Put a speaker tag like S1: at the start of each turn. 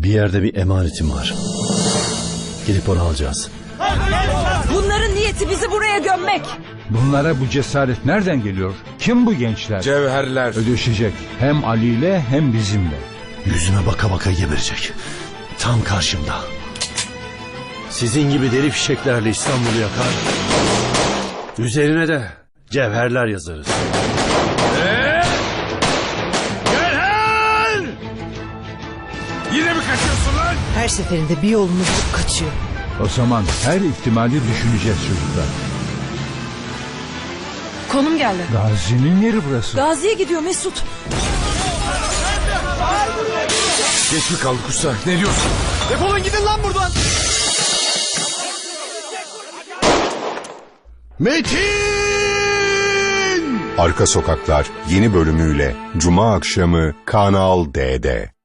S1: Bir yerde bir emanetim var. Gidip onu alacağız.
S2: Bunların niyeti bizi buraya gömmek.
S3: Bunlara bu cesaret nereden geliyor? Kim bu gençler?
S4: Cevherler.
S3: Ödeşecek. Hem Ali ile hem bizimle.
S1: Yüzüme baka baka geberecek. Tam karşımda. Sizin gibi deli fişeklerle İstanbul'u yakar. Üzerine de cevherler yazarız.
S4: Cevher! Yine mi kaçıyorsun lan?
S2: Her seferinde bir yolunu bulup kaçıyor.
S3: O zaman her ihtimali düşüneceğiz çocuklar.
S2: Konum geldi.
S3: Gazi'nin yeri burası.
S2: Gazi'ye gidiyor Mesut.
S4: Geç mi kaldık usta? Ne diyorsun?
S5: Defolun gidin lan buradan.
S1: Metin!
S6: Arka Sokaklar yeni bölümüyle Cuma akşamı Kanal D'de.